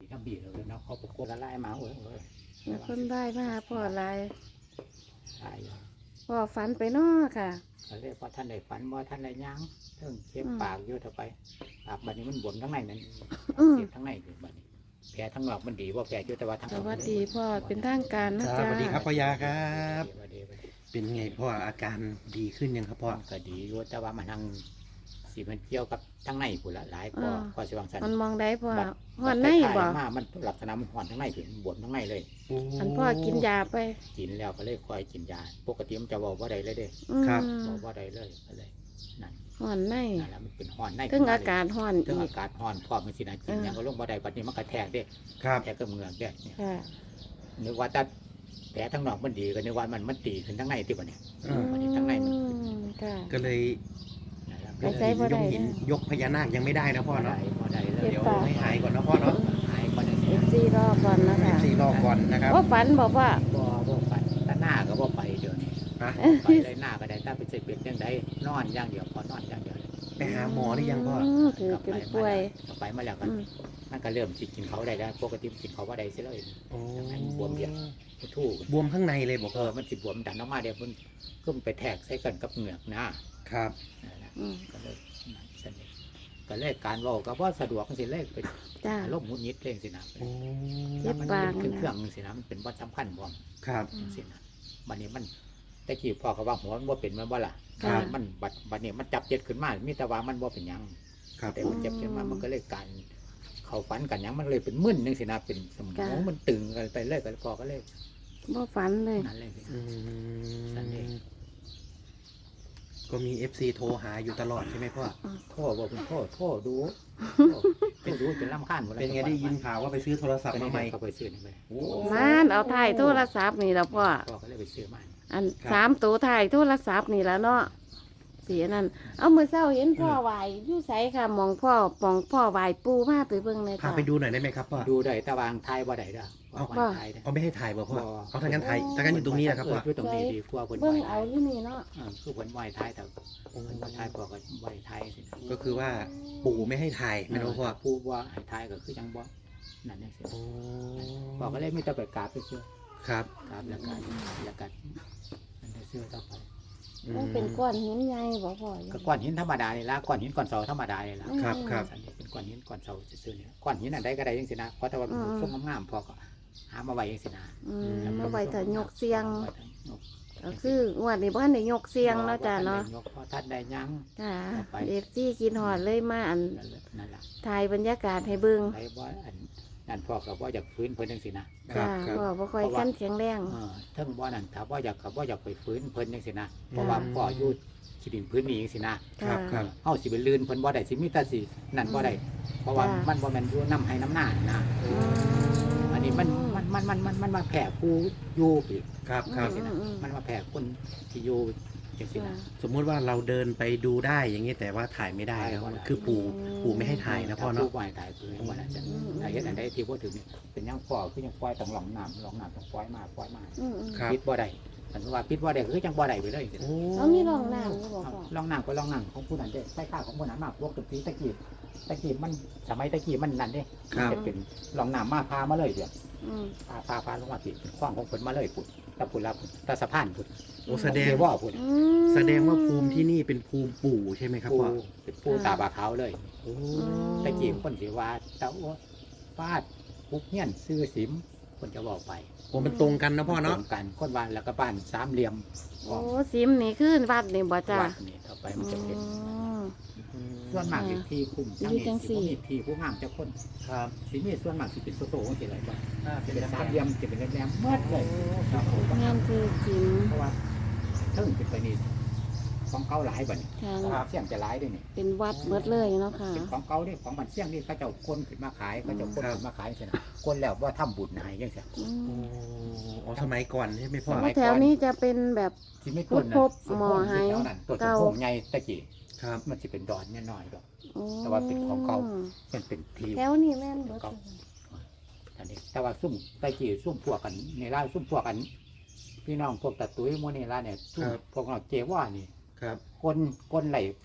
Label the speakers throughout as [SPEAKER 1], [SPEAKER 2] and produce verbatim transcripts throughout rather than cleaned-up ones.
[SPEAKER 1] ยังบีเลยเนาะเขาประกบละลายมาโอ้ยโอ้ย
[SPEAKER 2] มีคนได้มาหาพ่อหลาย
[SPEAKER 1] ตายอยู่
[SPEAKER 2] พ่อฝันไปเนาะค่ะ
[SPEAKER 1] ก็เลยพอท่านได้ฝันว่าท่านได้ยั้งเรื่องเจ็บ
[SPEAKER 2] อืม
[SPEAKER 1] ปากอยู่ต่อไปปากบัดนี้มันบวมทั้งในนั้น
[SPEAKER 2] อืม
[SPEAKER 1] เสียบทั้งในอยู่บัดนี้แผลทั้งนอกมันดีว่าแผลอยู่แต่ว่าทั้ง
[SPEAKER 2] สวัสดีพ่อเป็นทางการนะ
[SPEAKER 3] ครับ
[SPEAKER 2] จ๊ะ
[SPEAKER 3] สวัสดีครับพ่อยาครับ
[SPEAKER 1] สวัสดีสวัสดี
[SPEAKER 3] เป็นไงพ่ออาการดีขึ้นยังครับพ่อ
[SPEAKER 1] มันก็ดีอยู่แต่ว่ามันทั้งสีมันเกี่ยวกับทั้งในผุนละหลายก็ก็สิวังสัน
[SPEAKER 2] มันมองได้พ่อ
[SPEAKER 1] บัด
[SPEAKER 2] หอนในบ่
[SPEAKER 1] มามันลักษณะมันห่อนทั้งในถึงบวมทั้งในเลย
[SPEAKER 3] โอ้
[SPEAKER 2] อันพ่อกินยาไป
[SPEAKER 1] กินแล้วก็เลยคอยกินยาปกติมันจะบอกว่าใดเลยเด้
[SPEAKER 2] อืม
[SPEAKER 1] บอกว่าใดเลยก็เลยนั่น
[SPEAKER 2] หอนใน
[SPEAKER 1] นั่นแหละมันเป็นห่อนใน
[SPEAKER 2] ถึงอากาศหอน
[SPEAKER 1] ถึง
[SPEAKER 2] อี
[SPEAKER 1] อาก กาศห่อนพร้อมมันสินะกิน
[SPEAKER 2] อืม
[SPEAKER 1] ยังก็ลงบ่ได้บัดนี้มันกระแทกเด้
[SPEAKER 3] ครับ
[SPEAKER 1] แทกกับเหงือกเด้เนี่ย
[SPEAKER 2] ค่ะ
[SPEAKER 1] นึกว่าแต่แผลทั้งนอกมันดีก็นึกว่ามันมันตีขึ้นทั้งในที่บ่เนี่ย
[SPEAKER 3] อืม
[SPEAKER 1] วันนี้ทั้งในมันขึ้น
[SPEAKER 2] อืมค่ะ
[SPEAKER 3] ก็เลย
[SPEAKER 1] นั่นแหละ
[SPEAKER 2] ไปใช้บ่ได้
[SPEAKER 3] ยกหินยกพญานาคยังไม่ได้นะพ่อ
[SPEAKER 1] บ่ได้
[SPEAKER 3] เนาะ
[SPEAKER 1] บ่ได้เลย
[SPEAKER 2] เจ็บ
[SPEAKER 3] เดี๋ยว
[SPEAKER 2] ปาก
[SPEAKER 3] ให้หายก่อนนะพ่อเนาะ
[SPEAKER 1] หายก่อนจัง
[SPEAKER 2] เอ
[SPEAKER 1] ซี่
[SPEAKER 2] ฟซีรอก่อนนะคะ
[SPEAKER 3] สี่รอบก่อนนะครับ
[SPEAKER 2] ว่าฝันบอกว่า
[SPEAKER 1] บ่บ่ไปแต่หน้าก็บ่ไปเดี๋ยวนี้
[SPEAKER 3] ฮะ
[SPEAKER 1] ไปเลยหน้าก็ได้ถ้าไปใส่เป็ดจังไดนอนอย่างเดียวพอนอนอย่างเดียวเลย
[SPEAKER 3] ไปหาหมอหรือยังพ่อ
[SPEAKER 2] มถือเป็นป่วย
[SPEAKER 1] ก็ไปมาแล้วก็
[SPEAKER 2] อืม
[SPEAKER 1] มันก็เริ่มสิกินเขาได้แล้วปกติมันกินเขาว่าได้สิเลย
[SPEAKER 3] โอ้
[SPEAKER 1] บวมเดียว ทู่
[SPEAKER 3] บวมข้างในเลยบอก
[SPEAKER 1] เออมันสิบวมดันออกมาเดี๋ยวมันก็ไปแทกใส่กันกับเหงือกนะครับ นั่นแหละ
[SPEAKER 2] อืม
[SPEAKER 1] ก็เลยนั่นสนิทก็เลยการเว่าก็ว่าสะดวกสิเลยเป็น
[SPEAKER 2] จ้า
[SPEAKER 1] อารมณ์หงุดหงิดเองสินะ
[SPEAKER 3] โอ้
[SPEAKER 2] เจ็บ
[SPEAKER 1] มัน
[SPEAKER 2] ปาก
[SPEAKER 1] เป็น
[SPEAKER 2] นะ
[SPEAKER 1] เครื่องสินะมันเป็นวัดสำคัญบ่ม
[SPEAKER 3] ครับ
[SPEAKER 1] สินะบัดนี้มันตะกี้พ่อก็ว่าหัวมันบ่เป็นมันบ่ล่ะ
[SPEAKER 2] ค่ะ
[SPEAKER 1] มันบัดบัดนี้มันจับเจ็ดขึ้นมามีแต่ว่ามันบ่เป็นหยัง
[SPEAKER 3] ครับ
[SPEAKER 1] แต่มันเจ็บขึ้นมามันก็เลยการเขาฝันกันหยังมันเลยเป็นมึนนึงสินะเป็นสมองมันตึงกันไปเลยกันพ่อก็เลย
[SPEAKER 2] บ่ฝันเลย
[SPEAKER 1] นั่นเลยสิ
[SPEAKER 3] อื
[SPEAKER 1] นั่นเอง
[SPEAKER 3] มก็มีเอฟซีโทรหาอยู่ตลอดใช่ไหมพ่อ
[SPEAKER 1] โทษบอกคุณโทษโทษดูโทษเป็นดูจนลำคาญหมดแล้ว
[SPEAKER 3] เป็นไงได้ยินข่าวว่าไปซื้อโทรศัพท์
[SPEAKER 1] ก็
[SPEAKER 3] มา
[SPEAKER 1] นี่
[SPEAKER 3] ใหม่
[SPEAKER 1] เขาไปซื้อนี่ไป
[SPEAKER 3] โอ้
[SPEAKER 2] มานเอาถ่ายโทรศัพท์นี่แล้วพ่อ
[SPEAKER 1] พ่อก็เลยไปซื้อมา
[SPEAKER 2] อันสามตัวถ่ายโทรศัพท์นี่แล้วเนาะเสียนั่นเอามือเศร้าเห็นพ่อไหวอยู่ไสค่ะมองพ่อปองพ่อไหวปูมาไปเบิ่งเลย
[SPEAKER 3] พา
[SPEAKER 2] จ้ะ
[SPEAKER 3] ไปดูหน่อยได้ไหมครับพ่อ
[SPEAKER 1] ดูได้ตะวางไทยบ่ได้เด้อ
[SPEAKER 3] เอา
[SPEAKER 1] วางไทยเด้อ
[SPEAKER 3] เอาไม่ให้ถ่ายบ่พ่อ
[SPEAKER 1] บ่
[SPEAKER 3] เอาทางนั้นถ่ายทางนั้นอยู่ตรงนี้นะครับพ่อ
[SPEAKER 1] อยู่ตรงนี้ดีกว่าเพิ่น
[SPEAKER 2] เบิ่ง
[SPEAKER 1] ไหวไท
[SPEAKER 2] เอา
[SPEAKER 1] ย
[SPEAKER 2] ที่นี่เนาะ
[SPEAKER 1] เออคือเพิ่นไหวไทยแต่เพิ่นบ่ไทยพ่อก็ไหวไทยสิ
[SPEAKER 3] ก็คือว่าปู่ไม่ให้ถ่ายไม่รู้พ่อ
[SPEAKER 1] ผู้ว่าให้ไทยก็คือจังบ่นั่นจังซี่
[SPEAKER 3] โอ้
[SPEAKER 1] พ่อก็เลยมีแต่ไปกราบไปซื้อ
[SPEAKER 3] ครับ
[SPEAKER 1] กราบแล้วก็แล้วก็นั่นได้ซื้อต่อไป
[SPEAKER 3] อื
[SPEAKER 2] มัน
[SPEAKER 3] ม
[SPEAKER 2] เป็นก้อนหินใหญ่บ่พ่อ
[SPEAKER 1] ก็ก้อนหินธรรมดานี่ละก้อนหินก้อนเสาธรรมดานี่ละ
[SPEAKER 3] ครับครับ
[SPEAKER 1] อันนี้เป็นก้อนหินก้อนเสาซื่อๆเนี่ยก้อนหินอันใดก็ได้ยังสินะเพราะแต่ว่าเป็นส้มงามๆพอก็หามาไว้ยังสินะ
[SPEAKER 2] อืมมาไว้ถ้ายกเสียง
[SPEAKER 1] ไว้ถ้ายก
[SPEAKER 2] ก็คืองวดนี้บ่ทันได้ยกเสียงเนาะจ้ะเนาะ
[SPEAKER 1] ยกพอทัดได้ยัง
[SPEAKER 2] จ้า
[SPEAKER 1] เอาไป
[SPEAKER 2] เอฟซีกินหอดเลยมาอัน
[SPEAKER 1] นั่นแหละนั่นแหละ
[SPEAKER 2] ถ่ายบรรยากาศให้เบิ่ง
[SPEAKER 1] ไปว่าอันนั่นพ่อก็ว่าอยากฟื้นเพิ่นยังสินะ
[SPEAKER 3] ครั
[SPEAKER 2] จ้า
[SPEAKER 3] บครับ
[SPEAKER 2] พ่อบ่ค่อยขั้นแข็งแรง
[SPEAKER 1] เออเทิงว่านั่นถ้าว่าอยากกับว่าอยากไปฟื้นเพิ่นยังสินะเพราะว่าพ่ออยู่ขีดินพื้นนี้ยังสินะ
[SPEAKER 3] ครับ
[SPEAKER 2] จ้า
[SPEAKER 3] ครับ
[SPEAKER 1] เฮาสิไปลื่นเพิ่นบ่ได้สิมีแต่สินั่นบ่ได้เพราะว่า
[SPEAKER 2] จ้ะ
[SPEAKER 1] มันบ่แม่นอยู่น้ำให้น้ำหน้านะ
[SPEAKER 2] อืม
[SPEAKER 1] อันนี้มันมันมันมันมันมันมาแผ่ผู้อยู่อีก
[SPEAKER 3] ครับครับ
[SPEAKER 1] สินะมันมาแผ่คนที่อยู่จังซี่นะ
[SPEAKER 3] สมมุติว่าเราเดินไปดูได้อย่างนี้แต่ว่าถ่ายไม่ได้แล้วคือปู่ปู่ไม่ให้ถ่ายนะพ่อ
[SPEAKER 1] ถ้
[SPEAKER 3] เนาะ
[SPEAKER 1] ผู้ป่วยตายคือว่าน่ะจะถ้าเฮ็ดอันใดที่บ่ถึงนี่เป็นยังพ่อคือยังปล่อยต้องหลองน้ำหลองน้ำต้องปล่อยมาปล่อยมา
[SPEAKER 2] อืมอืม
[SPEAKER 3] ครับ
[SPEAKER 1] ปิดบ่ได้อันว่าปิดบ่ได้คือจังบ่ได้ไปเลยจังซี่
[SPEAKER 3] โอ้
[SPEAKER 2] เอามีรองน้ำอยู่บ่พ่อ
[SPEAKER 1] ลองน้ำก็ลองน้ำของผู้นั้นเด้ใส่ข้าวของผู้นั้นมาพวกตะกี้ตะกี้ตะกี้มันสมัยตะกี้มันนั่นเด้
[SPEAKER 3] ครับ
[SPEAKER 1] จะเป็นลองน้ำมาพามาเลยเดี๋ยว
[SPEAKER 2] อืม
[SPEAKER 1] พาพาพาลงมาติดเป็นข้องของเพิ่นมาเลยพุ่นตะพุ่นละพุ่นตะสะพานพุ่น
[SPEAKER 3] โอ้แสดง
[SPEAKER 1] เทว่าพุ่น
[SPEAKER 2] อืม
[SPEAKER 3] แสดงว่าภูมิที่นี่เป็นภูมิปู่ใช่ไหมครับ
[SPEAKER 1] ปู
[SPEAKER 3] พ่อ
[SPEAKER 1] เป็นปูตาบาขาวเลย
[SPEAKER 3] โอ้
[SPEAKER 1] ตะกี้คนสิว่าตะโอ้ฟาดปุกเงี้ยนซื้อสิมคนจะบอกไป
[SPEAKER 3] โอ้มันตรงกันนะพ่อเนาะ
[SPEAKER 1] ตรงกันคนบ้านแล้วก็บ้านสามเหลี่ยม
[SPEAKER 2] โอ้ซิมนี่คือวัดนี่บ่จ้า
[SPEAKER 1] วัดนี่ต่อไปมันจะเป็น
[SPEAKER 2] อืม
[SPEAKER 1] ส่วนมากอยู่ที่คุ้ม
[SPEAKER 2] อยู่จังสี่
[SPEAKER 1] สิบ่มีที่ผู้งามจะคน
[SPEAKER 3] ครับ
[SPEAKER 1] สิมีส่วนมากสิเป็นโซโซ่สิอะไรบ้าง
[SPEAKER 3] อ่า
[SPEAKER 1] จะ
[SPEAKER 3] เป็น
[SPEAKER 1] เป็น
[SPEAKER 3] สา
[SPEAKER 1] สาม ม
[SPEAKER 3] เห
[SPEAKER 1] เห
[SPEAKER 3] ลี่
[SPEAKER 1] ลี่
[SPEAKER 3] ย
[SPEAKER 1] ย
[SPEAKER 3] ม
[SPEAKER 1] มจะเป็นแหลมๆเมื่อเลยครับผม
[SPEAKER 2] งานคือซิม
[SPEAKER 1] เพราะว่าเทิงเป็นไปนี่ของเก่าหลายบัดนี้
[SPEAKER 2] ทาง
[SPEAKER 1] เสี่ยงจะหลายด้วยนี่
[SPEAKER 2] เป็นวัดหมดเลยเนาะค่ะ
[SPEAKER 1] เป็นของเก่านี่ของมันเสี่ยงนี่เขาเจ้าคนขึ้นมาขายเขาเจ้าคนขึ้นมาขายใช่ไหมคนแล้วว่าทำบุญให้ยังไง
[SPEAKER 2] อื
[SPEAKER 3] โอ้
[SPEAKER 2] ม
[SPEAKER 3] อ๋อสมัยก่อนใช่ไหมพ่อ
[SPEAKER 1] ส
[SPEAKER 2] เพ
[SPEAKER 1] มัย
[SPEAKER 2] ราะแถวนี้จะเป็นแบบ
[SPEAKER 1] ที่ไม่ต้นนะ
[SPEAKER 2] พบหมอให้
[SPEAKER 1] ตัวสม
[SPEAKER 2] เก่า
[SPEAKER 1] พงษ์ใหญ่ตะกี้
[SPEAKER 3] ครับ
[SPEAKER 1] มันจะเป็นดอนน้อยๆดอก
[SPEAKER 2] โอ้
[SPEAKER 1] แต่ว่าเป็นของเก่า เป็นเป็นที
[SPEAKER 2] แถวนี้แม่นเบิด
[SPEAKER 1] อันนี้แต่ว่าซุ่มตะกี้ซุ่มพวกกันในร้านซุ่มพวกกัน พี่น้องพวกตะตุ้ยโมนี่ร้านเนี่ยซุ่มพวกเราเจว่านี่
[SPEAKER 3] ครับ
[SPEAKER 1] คนคนไหล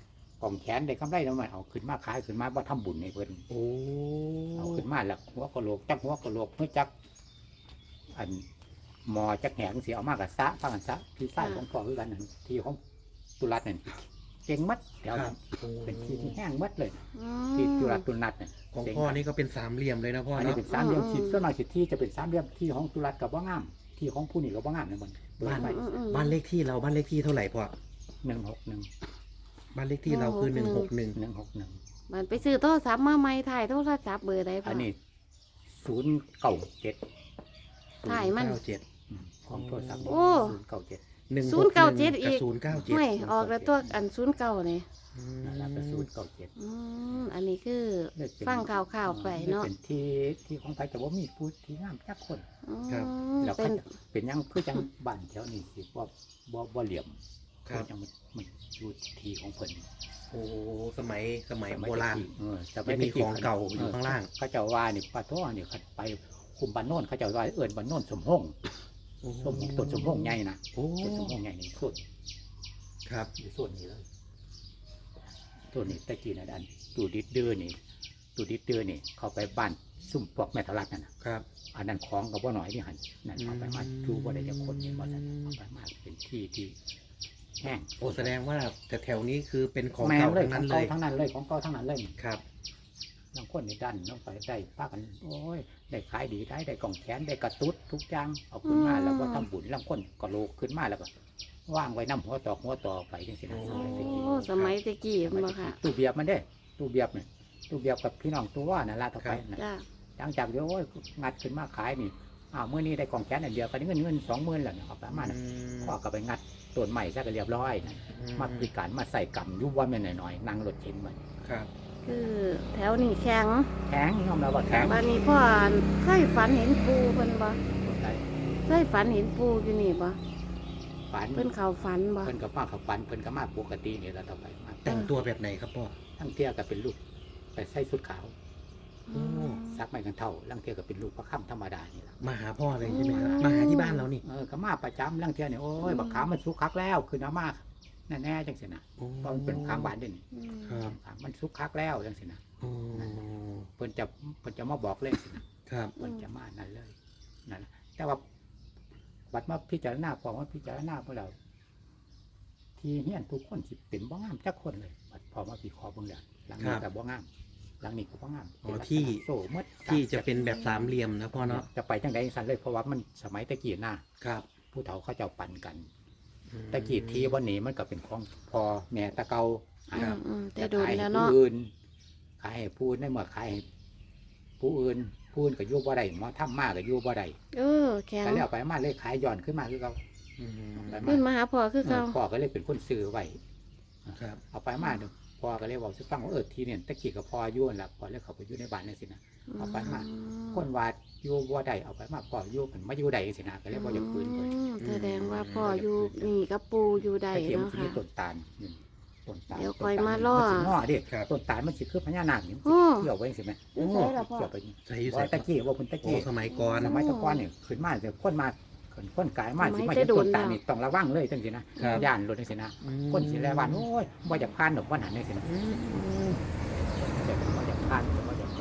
[SPEAKER 1] กองแขนได้กำไรแล้วมันเอาขึ้นมาขายขึ้นมาบ่ทำบุญให้เพิ่น
[SPEAKER 3] โอ้
[SPEAKER 1] เอาขึ้นมาแล้วหัวกะโหลกจักหัวกะโหลกเพื่อจักอันหมอจักแหงสิเอามากะซะฟังกันซะพี่ชายของพ่อคือกันนั่นที่ของตุลัดนั่นเก่งมัดแถว
[SPEAKER 3] ครั
[SPEAKER 1] นั้
[SPEAKER 3] บ
[SPEAKER 1] น
[SPEAKER 3] โอ้
[SPEAKER 1] เป็นที่ที่แห้งมัดเลย
[SPEAKER 2] อื
[SPEAKER 1] ที่
[SPEAKER 2] ม
[SPEAKER 1] ตุลัดตุนัดเนี่ย
[SPEAKER 3] ของพ่อนี่ก็เป็นสามเหลี่ยมเลยนะพ่อ
[SPEAKER 1] อันนี้
[SPEAKER 3] เนาะ
[SPEAKER 1] เป็นสามเหลี่ยม
[SPEAKER 2] อืม
[SPEAKER 1] สิส่วนมากสิที่จะเป็นสามเหลี่ยมที่ของตุลัดกับว่างามที่ของผู้นี่กับว่างามเนี่ยมันเบิดไป
[SPEAKER 2] อืมอืม
[SPEAKER 3] บ้านเลขที่เราบ้านเลขที่เท่าไหร่พ่อ
[SPEAKER 1] หนึ่งหกหนึ่ง
[SPEAKER 3] บ้านเลขที่เราคือหนึ่งหกหนึ่ง
[SPEAKER 1] หนึ่งหกหนึ่ง
[SPEAKER 2] มันไปซื้อโทรศัพท์มาใหม่ถ่ายโทรศัพท์เบอร์ใดพ่อ
[SPEAKER 1] อันนี้ศูนย์เก้าเจ็ด
[SPEAKER 2] ถ่ายมัน
[SPEAKER 3] เก้าเจ็ด
[SPEAKER 1] ของโทรศัพท์
[SPEAKER 2] โอ้
[SPEAKER 1] ศูนย์เก้าเจ็ด
[SPEAKER 3] หนึ่ง
[SPEAKER 2] ศูนย์เก้าเจ็ดอีก
[SPEAKER 3] ศูนย์เก้าเจ็ด
[SPEAKER 2] ไม่ออกแล้วตัวอันศูนย์เก่าเนี่ย
[SPEAKER 1] นั่นแหละเป็นศูนย์เก้าเจ็ด
[SPEAKER 2] อืมอันนี้คือ
[SPEAKER 1] เลยเป็น
[SPEAKER 2] ฟังข่าวๆไปเนาะ
[SPEAKER 1] เป็นที่ที่ของใครแต่ว่ามีผู้ที่งามจักคน
[SPEAKER 2] อืม
[SPEAKER 3] ครับ
[SPEAKER 1] แล้ว
[SPEAKER 2] เป็
[SPEAKER 1] เขา
[SPEAKER 2] น
[SPEAKER 1] จะเป็นหยังคือจังบ้านแถวนี้สิว่าบ่บ่เหลี่ยม
[SPEAKER 3] ครับ
[SPEAKER 1] อยังมันมันอยู่ที่ของเพิ่น
[SPEAKER 3] โอ้สมัยสมัย
[SPEAKER 1] สมัย
[SPEAKER 3] โบราณ
[SPEAKER 1] ตะกี้เออส
[SPEAKER 3] จะมีของเก่าอยู่ข้างล่าง
[SPEAKER 1] เขาเจ้าว่านี่ปลาท้อนี่เขาไปคุมบ้านโน่นเขาเจ้าว่าเอิ้นบ้านโน่นสมหงสมหงต้นสมหงใหญ่นะ
[SPEAKER 3] โอ้
[SPEAKER 1] ต้นสมหงใหญ่นี่สุด
[SPEAKER 3] ครับ
[SPEAKER 1] อยู่ส่วนนี้เลยตัวนี้ตะกี้นะดันตูดิดเดือนี่ตูดิดเดือนี่ เข้าไปบ้านซุ่มพวกแม่ทะลักนั่นนะครับ อันนั้นของกับว่าหน่อยที่หันนั่นเอาไปมาดูว่าได้จะคนนี่บ่ซั่นเอาไปมาเป็นที่ที่แห้ง
[SPEAKER 3] โอ้แสดงว่าแต่แถวนี้คือเป็นของ
[SPEAKER 1] แม่
[SPEAKER 3] เก่า
[SPEAKER 1] เลย
[SPEAKER 3] ทั้ง
[SPEAKER 1] ข
[SPEAKER 3] นั้
[SPEAKER 1] อง
[SPEAKER 3] นเล
[SPEAKER 1] เก่าย ทั้งนั้นเลยของเก่าทั้งนั้นเลย
[SPEAKER 3] ครับ
[SPEAKER 1] บางคนนี่ดันต้องไปได้ป้ากันโอ้ยได้ขายดีได้ได้กล่องแขนได้กระตุ้ดทุกอย่างเอาขึ้นมาแล้วก็ทำบุญลางคนก็โลกขึ้นมาแล้วก็ว่างไว้น้ำหัวตอกหัวต่อไปจังสินะ
[SPEAKER 3] โอ้
[SPEAKER 1] สมัยตะกี้
[SPEAKER 2] โอ้สมัยตะกี้
[SPEAKER 1] สมั
[SPEAKER 2] มัน
[SPEAKER 1] ย
[SPEAKER 2] บ่
[SPEAKER 1] ตะกี้
[SPEAKER 2] ค่ะ
[SPEAKER 1] ตู้เบียบมันเด้ตู้เบียบเนี่ยตู้เบียบกับพี่น้องตัวว่านั่นละต่อไปนะ
[SPEAKER 2] จ้า
[SPEAKER 1] หลังจากเดี๋ยวโอ้ยงัดขึ้นมาขายนี่อ้าวเมื่อนี้ได้กล่องแขนอันเดียวก็ได้เงินเงินสองหมื่นแล้วเนี่ยเอาไปมานะพ่อก็ไปงัดต้นใหม่ซะก็เรียบร้อยนะมาพิการมาใส่กำยุบว่าไม่นหน่อยๆนั่งรถเข็นมัน
[SPEAKER 3] ครับ
[SPEAKER 2] คือแถวนี้แข็ง
[SPEAKER 1] แข็งยอมรับว่าแข็ง
[SPEAKER 2] บ้านนี้พ่อเคยฝันเห็นปูเพิ่นบ่
[SPEAKER 1] ได้
[SPEAKER 2] เคยฝันเห็นปูอยู่นี่บ่
[SPEAKER 1] ฝัน
[SPEAKER 2] เพิ่นเข้าฝันบ่
[SPEAKER 1] เพิ่นก็มาเขาฝันเพิ่นก็มาปกตินี่แหละต่อไปมา
[SPEAKER 3] แต่งตัวแบบไหนครับพ่อ
[SPEAKER 1] ลังเทียก็เป็นลูกไปใส่สุดขาว
[SPEAKER 2] อืม
[SPEAKER 1] ซักไม่กันเท่าลังเทียก็เป็นลูกพระค่ำธรรมดานี่แหละ
[SPEAKER 3] มาหาพ่อเลยใช่ไหมครับ
[SPEAKER 2] อืม
[SPEAKER 3] มาหาที่บ้านเรานี่
[SPEAKER 1] เออก็มาประจำลังเทียเนี่ยโอ้ย
[SPEAKER 2] อืม
[SPEAKER 1] บักขามมันสุกคักแล้วคือน้ำมากแน่ๆจังสินะ
[SPEAKER 3] โอ้
[SPEAKER 1] เพราะมันเป็นข้างบ้านเด่น
[SPEAKER 2] อืม
[SPEAKER 3] ครับ
[SPEAKER 1] มันสุกคักแล้วจังสินะ
[SPEAKER 3] โอ้
[SPEAKER 1] เพิ่นจะเพิ่นจะมาบอกเลยสินะครับ เพิ่นจะมานั่นเลยนั่นแหละแต่ว่าบัดมาพิจารณาพอมาพิจารณาพวกเราที่เฮียนทุกคนสิเป็นบ่งามจักคนเลยบัดพอมาพิเคราะห์เบิ่งแล้วหลังนี้ก็บ่งามหลังนี้ก็บ่งาม
[SPEAKER 3] อ๋อ
[SPEAKER 1] เป็นลักษณะ
[SPEAKER 3] ที่
[SPEAKER 1] โซ่หมด
[SPEAKER 3] ที่จะเป็นแบบสามเหลี่ยมนะพ่อเนาะ
[SPEAKER 1] จะไปจังไดสันเลยเพราะว่ามันสมัยตะกี้น่ะ
[SPEAKER 3] ครับ
[SPEAKER 1] ผู้เฒ่าเขาเจ้าปั่นกัน
[SPEAKER 3] อืม
[SPEAKER 1] ตะกี้ที่วันนี้มันก็เป็นของพอแม่ตะเกา
[SPEAKER 2] อื
[SPEAKER 1] อ่าม
[SPEAKER 2] อืมแต่
[SPEAKER 1] จะ
[SPEAKER 2] โดน
[SPEAKER 1] ขาย
[SPEAKER 2] แล้ว
[SPEAKER 1] ให้ผู้
[SPEAKER 2] เนาะ
[SPEAKER 1] อื่นขายให้ผู้อื่นได้เมื่อขายให้ผู้อื่นผู้อื่นก็อยู่บ่ได้หมอทำมากก็อยู่บ่ได้
[SPEAKER 2] เออแข็ง
[SPEAKER 1] ก็เลยเอาไปมาเลยขายย้อนขึ้นมาคือเขา
[SPEAKER 3] อืม
[SPEAKER 1] ไป
[SPEAKER 2] ขึ้น
[SPEAKER 1] มา
[SPEAKER 2] มาหาพ่อคือเขา
[SPEAKER 1] พ่อก็เลยเป็นคนซื้อไว้
[SPEAKER 3] ครับ
[SPEAKER 1] เอาไปมาเดี๋ยวพ่อก็เลยบอกสิฟังว่าเออทีเนี่ยตะกี้กับพ่ออยู่นั่นล่ะพ่อเลยเขาไปอยู่ในบ้านนั่นสินะ เอาไปมา คนว่าอยู่บ่ได้เอาไปมาพ่ออยู่กันมาอยู่ใดสินะก็เลยบ่อยากคืนเพิ่น
[SPEAKER 2] อืมแสดงว่าพ่ออยู่นี่กับปูอยู่ใด
[SPEAKER 1] ตะเกียบ
[SPEAKER 2] เนาะ
[SPEAKER 1] มันสิมี
[SPEAKER 2] ค่ะ
[SPEAKER 1] ต้นตาลนี่ต้นตาล
[SPEAKER 2] เดี๋ยวคอยมาล่อ
[SPEAKER 1] นสิงอดิ
[SPEAKER 3] ครับ
[SPEAKER 1] ต้นตาลมันสิคือพญานาคนี่
[SPEAKER 2] โอ้
[SPEAKER 1] เกี่ยวไว้สิแม่
[SPEAKER 2] อยู่ไสล่ะพ่อ
[SPEAKER 1] เกี่ยวไปนี่
[SPEAKER 3] ใส่อยู่
[SPEAKER 1] ว่า
[SPEAKER 3] ใส่
[SPEAKER 1] ตะกี้ว่าเพิ่นตะ
[SPEAKER 3] โอ้
[SPEAKER 1] กี้
[SPEAKER 3] สมัยก่อน
[SPEAKER 1] สมัยตะก่อนนี่ขึ้นมาแต่คนมาคนคนกายมา
[SPEAKER 2] สมั
[SPEAKER 1] สิ
[SPEAKER 2] ย
[SPEAKER 1] มา
[SPEAKER 2] แต่
[SPEAKER 1] เห็น
[SPEAKER 2] โด
[SPEAKER 1] ต้
[SPEAKER 2] น
[SPEAKER 1] นตาล
[SPEAKER 2] แล้ว
[SPEAKER 1] นี่ต้องระวังเลยจังซี่นะครับ ย่านรถจังซี่นะ
[SPEAKER 3] อืม
[SPEAKER 1] คนสิแลวันโอ้ยบ่อยากผ่านดอกบ่หันจังซี่นะ
[SPEAKER 3] อืม
[SPEAKER 1] แต่บ่อยากผ่านบ่อยาก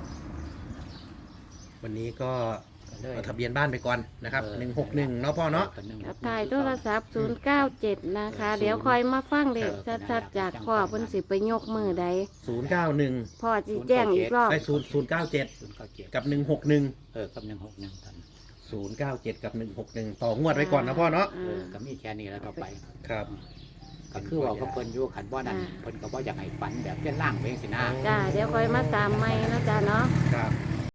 [SPEAKER 3] วันนี้ก็
[SPEAKER 1] ก็เลย
[SPEAKER 3] เอาทะเบียนบ้านไปก่อนนะครับหนึ่งหกหนึ่งเนาะพ่อเนาะ
[SPEAKER 2] กับถ่ายโทรศัพท์ศูนย์เก้าเจ็ดนะคะ เดี๋ยวคอยมาฟังเด็กชัดๆจากพ่อเพิ่นสิไปยกมือใด
[SPEAKER 3] ศูนย์เก้าหนึ่ง
[SPEAKER 2] พ่อสิแจ้งอีกรอบ
[SPEAKER 3] ไปศูนย์ศูนย์เก้าเจ็ด
[SPEAKER 1] ศูนย์เก้าเจ็ด
[SPEAKER 3] กับหนึ่งหกหนึ่ง
[SPEAKER 1] เออกับหนึ่งหกหนึ่งท่าน
[SPEAKER 3] ศูนย์เก้าเจ็ดกับหนึ่งหกหนึ่งต่องวดไว้ก่อนนะพ่อเนาะ
[SPEAKER 1] เออก็มีแค่นี้แล้วต่อไป
[SPEAKER 3] ครับ
[SPEAKER 1] ก็คือว่าเขาเพิ่นอยู่ขันบ่นั่นเพิ่นก็บ่อยากให้ฝันแบบเป็นล่างไปจังซี่นะ
[SPEAKER 2] จ้าเดี๋ยวคอยมาตามไม่นะจ้าเนาะ
[SPEAKER 3] ครับ